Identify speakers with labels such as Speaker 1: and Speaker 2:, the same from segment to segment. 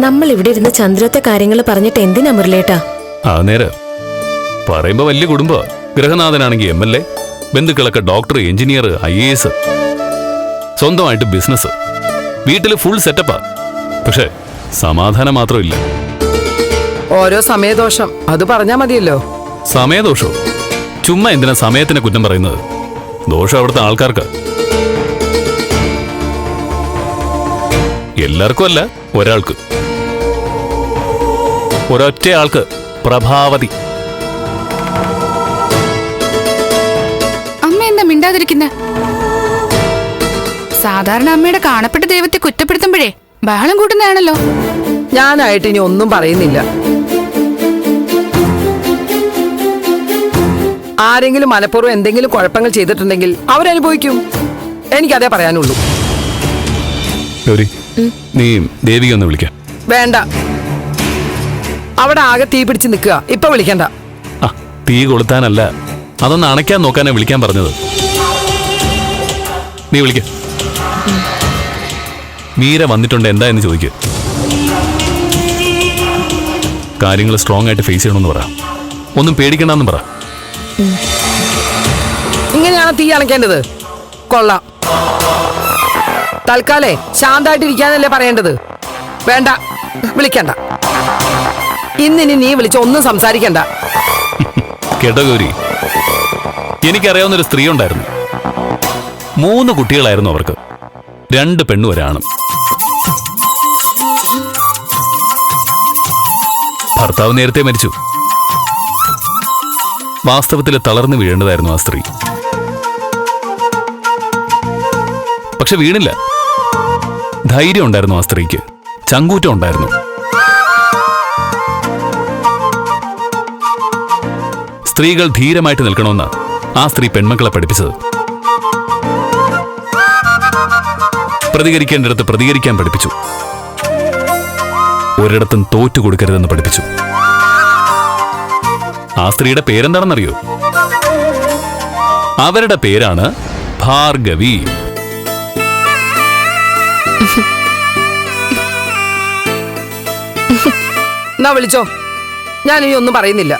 Speaker 1: നമ്മൾ ഇവിടെ ഇരുന്ന് ചന്ദ്രത്തെ കാര്യങ്ങൾ പറഞ്ഞിട്ട് എന്തിനാ മുരളേട്ടാ?
Speaker 2: ആ നേരെ പറയുമ്പോ വലിയ കുടുംബ ഗൃഹനാഥനാണെങ്കിൽ MLA, ബന്ധുക്കളൊക്കെ ഡോക്ടർ, എഞ്ചിനീയർ, IAS, സ്വന്തമായിട്ട് ബിസിനസ്, വീട്ടില് ഫുൾ സെറ്റപ്പാ. പക്ഷെ സമാധാനം മാത്രമില്ല.
Speaker 3: ഓരോ സമയദോഷം അത് പറഞ്ഞാ മതിയല്ലോ.
Speaker 2: സമയദോഷോ? ചുമ്മാ എന്തിനാ സമയത്തിനെ കുറ്റം പറയുന്നത്? ദോഷം അവിടുത്തെ ആൾക്കാർക്ക്. എല്ലാവർക്കും അല്ല, ഒരാൾക്ക്, ഒരൊറ്റ ആൾക്ക്, പ്രഭാവതി.
Speaker 4: അമ്മ എന്താ മിണ്ടാതിരിക്കുന്ന? സാധാരണ അമ്മയുടെ കാണപ്പെട്ട ദൈവത്തെ കുറ്റപ്പെടുത്തുമ്പോഴേ ബഹളം കൂട്ടുന്നതാണല്ലോ.
Speaker 3: ഞാനായിട്ട് ഇനി ഒന്നും പറയുന്നില്ല. ആരെങ്കിലും മനഃപൂർവ്വം എന്തെങ്കിലും കുഴപ്പങ്ങൾ ചെയ്തിട്ടുണ്ടെങ്കിൽ അവരനുഭവിക്കും. എനിക്കതേ പറയാനുള്ളൂ.
Speaker 2: ഗൗരി, നീ ദേവിക ഒന്ന് വിളിക്കാം.
Speaker 3: വേണ്ട, അവിടെ ആകെ തീ പിടിച്ച് നിൽക്കുക. ഇപ്പൊ വിളിക്കണ്ട.
Speaker 2: ആ, തീ കൊളുത്താനല്ല, അതൊന്ന് അണയ്ക്കാൻ നോക്കാനാ വിളിക്കാൻ പറഞ്ഞത്. നീ വിളിക്ക. മീര വന്നിട്ടുണ്ട്, എന്താ എന്ന് ചോദിക്കുക. കാര്യങ്ങൾ സ്ട്രോങ് ആയിട്ട് ഫേസ് ചെയ്യണമെന്ന് പറ. ഒന്നും പേടിക്കണ്ടെന്ന് പറ.
Speaker 3: ഇങ്ങനെയാണ് തീ അണയ്ക്കേണ്ടത്? കൊള്ളാം. തൽക്കാലേ ശാന്തായിട്ടിരിക്കാനല്ലേ പറയേണ്ടത്. വേണ്ട, വിളിക്കണ്ട. ഇന്നിനി നീ വിളിച്ച ഒന്നും സംസാരിക്കണ്ട.
Speaker 2: കേട്ടോ ഗൗരി, എനിക്കറിയാവുന്നൊരു സ്ത്രീ ഉണ്ടായിരുന്നു. 3 കുട്ടികളായിരുന്നു അവർക്ക്, 2 പെണ്ണും 1 ആണും. ഭർത്താവ് നേരത്തെ മരിച്ചു. വാസ്തവത്തിൽ തളർന്നു വീഴേണ്ടതായിരുന്നു ആ സ്ത്രീ. പക്ഷെ വീണില്ല. ധൈര്യം ഉണ്ടായിരുന്നു ആ സ്ത്രീക്ക്, ചങ്കൂറ്റം ഉണ്ടായിരുന്നു. സ്ത്രീകൾ ധീരമായിട്ട് നിൽക്കണമെന്ന് ആ സ്ത്രീ പെൺമക്കളെ പഠിപ്പിച്ചത്. പ്രതികരിക്കേണ്ടിടത്ത് പ്രതികരിക്കാൻ പഠിപ്പിച്ചു. ഒരിടത്തും തോറ്റു കൊടുക്കരുതെന്ന് പഠിപ്പിച്ചു. ആ സ്ത്രീയുടെ പേരെന്താണെന്നറിയോ? അവരുടെ പേരാണ് ഭാർഗവി.
Speaker 3: എന്നാ വിളിച്ചോ, ഞാനിനി ഒന്നും പറയുന്നില്ല.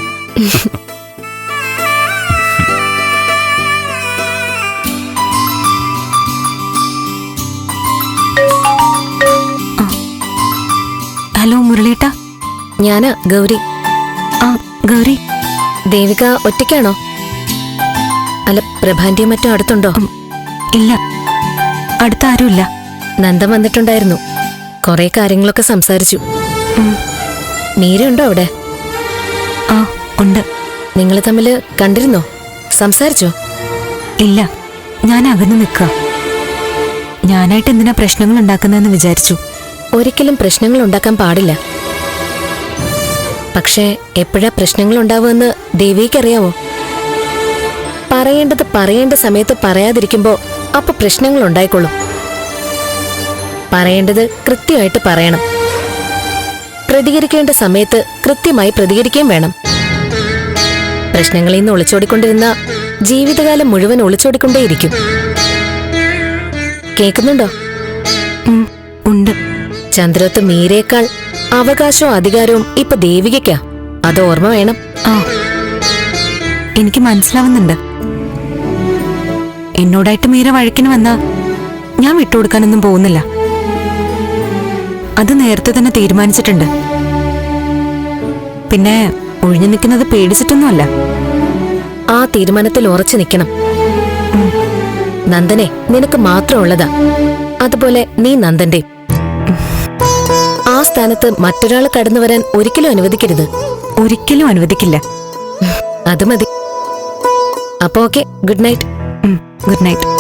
Speaker 1: ഹലോ മുരളേട്ടാ, ഞാനാ ഗൗരി. ആ ഗൗരി, ദേവിക ഒറ്റയ്ക്കാണോ? അല്ല, പ്രഭാന്റിയും മറ്റും അടുത്തുണ്ടോ? ഇല്ല, അടുത്ത ആരുമില്ല. നന്ദൻ വന്നിട്ടുണ്ടായിരുന്നു, കുറെ കാര്യങ്ങളൊക്കെ സംസാരിച്ചു. മീരയുണ്ടോ അവിടെ? ആ ഉണ്ട്. നിങ്ങൾ തമ്മിൽ കണ്ടിരുന്നോ? സംസാരിച്ചോ? ഇല്ല, ഞാൻ അകന്നു നിൽക്കുക. ഞാനായിട്ട് എന്തിനാ പ്രശ്നങ്ങൾ ഉണ്ടാക്കുന്നതെന്ന് വിചാരിച്ചു. ഒരിക്കലും പ്രശ്നങ്ങൾ ഉണ്ടാക്കാൻ പാടില്ല. പക്ഷേ എപ്പോഴാ പ്രശ്നങ്ങൾ ഉണ്ടാവുമെന്ന് ദേവിക്കറിയാവോ? പറയേണ്ടത് പറയേണ്ട സമയത്ത് പറയാതിരിക്കുമ്പോ അപ്പൊ പ്രശ്നങ്ങൾ ഉണ്ടായിക്കൊള്ളും. പറയേണ്ടത് കൃത്യമായിട്ട് പറയണം. പ്രതികരിക്കേണ്ട സമയത്ത് കൃത്യമായി പ്രതികരിക്കുകയും വേണം. പ്രശ്നങ്ങളിൽ നിന്ന് ഒളിച്ചോടിക്കൊണ്ടിരുന്ന ജീവിതകാലം മുഴുവൻ ഒളിച്ചോടിക്കൊണ്ടേയിരിക്കും. കേൾക്കുന്നുണ്ടോ? ഉണ്ട്. ചന്ദ്രത്ത് മീരയേക്കാൾ അവകാശവും അധികാരവും ഇപ്പൊ ദേവികയ്ക്കാ. അത് ഓർമ്മ വേണം. ആ, എനിക്ക് മനസ്സിലാവുന്നുണ്ട്. എന്നോടായിട്ട് മീര വഴക്കിന് വന്നാ ഞാൻ വിട്ടുകൊടുക്കാനൊന്നും പോകുന്നില്ല. അത് നേരത്തെ തന്നെ തീരുമാനിച്ചിട്ടുണ്ട്. പിന്നെ ഒഴിഞ്ഞു നിൽക്കുന്നത് പേടിച്ചിട്ടൊന്നുമല്ല. ആ തീരുമാനത്തിൽ ഉറച്ചു നിൽക്കണം. നന്ദനെ നിനക്ക് മാത്രമുള്ളതാ, അതുപോലെ നീ നന്ദന്റെ. ആ സ്ഥാനത്ത് മറ്റൊരാൾ കടന്നു വരാൻ ഒരിക്കലും അനുവദിക്കരുത്. ഒരിക്കലും അനുവദിക്കില്ല. അത് മതി. അപ്പൊ okay, good night. Good night.